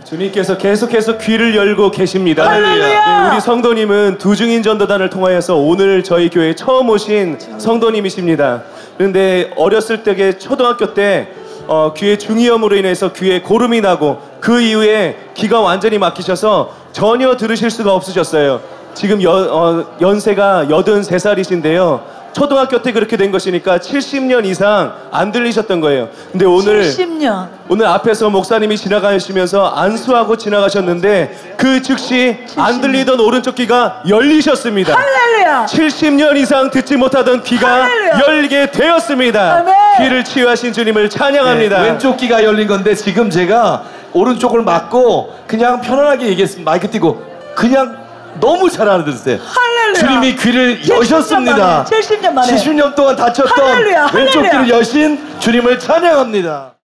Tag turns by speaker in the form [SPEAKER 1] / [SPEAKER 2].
[SPEAKER 1] 주님께서 계속해서 귀를 열고 계십니다.
[SPEAKER 2] 할렐루야.
[SPEAKER 1] 우리 성도님은 두중인 전도단을 통하여서 오늘 저희 교회에 처음 오신 성도님이십니다. 그런데 어렸을 때에 초등학교 때 귀에 중이염으로 인해서 귀에 고름이 나고 그 이후에 귀가 완전히 막히셔서 전혀 들으실 수가 없으셨어요. 지금 연세가 83살이신데요. 초등학교 때 그렇게 된 것이니까 70년 이상 안 들리셨던 거예요. 근데 오늘
[SPEAKER 2] 70년.
[SPEAKER 1] 오늘 앞에서 목사님이 지나가시면서 안수하고 지나가셨는데 그 즉시 70년. 안 들리던 오른쪽 귀가 열리셨습니다.
[SPEAKER 2] 할렐루야.
[SPEAKER 1] 70년 이상 듣지 못하던 귀가
[SPEAKER 2] 할렐루야.
[SPEAKER 1] 열리게 되었습니다.
[SPEAKER 2] 아멘.
[SPEAKER 1] 귀를 치유하신 주님을 찬양합니다.
[SPEAKER 3] 네, 왼쪽 귀가 열린 건데 지금 제가 오른쪽을 막고 그냥 편안하게 얘기했습니다. 마이크 띄고 그냥 너무 잘 알아들으세요.
[SPEAKER 2] 할렐루야.
[SPEAKER 3] 주님이 귀를 여셨습니다.
[SPEAKER 2] 70년 만에
[SPEAKER 3] 70년 동안 닫혔던
[SPEAKER 2] 할렐루야.
[SPEAKER 3] 왼쪽
[SPEAKER 2] 할렐루야.
[SPEAKER 3] 귀를 여신 주님을 찬양합니다.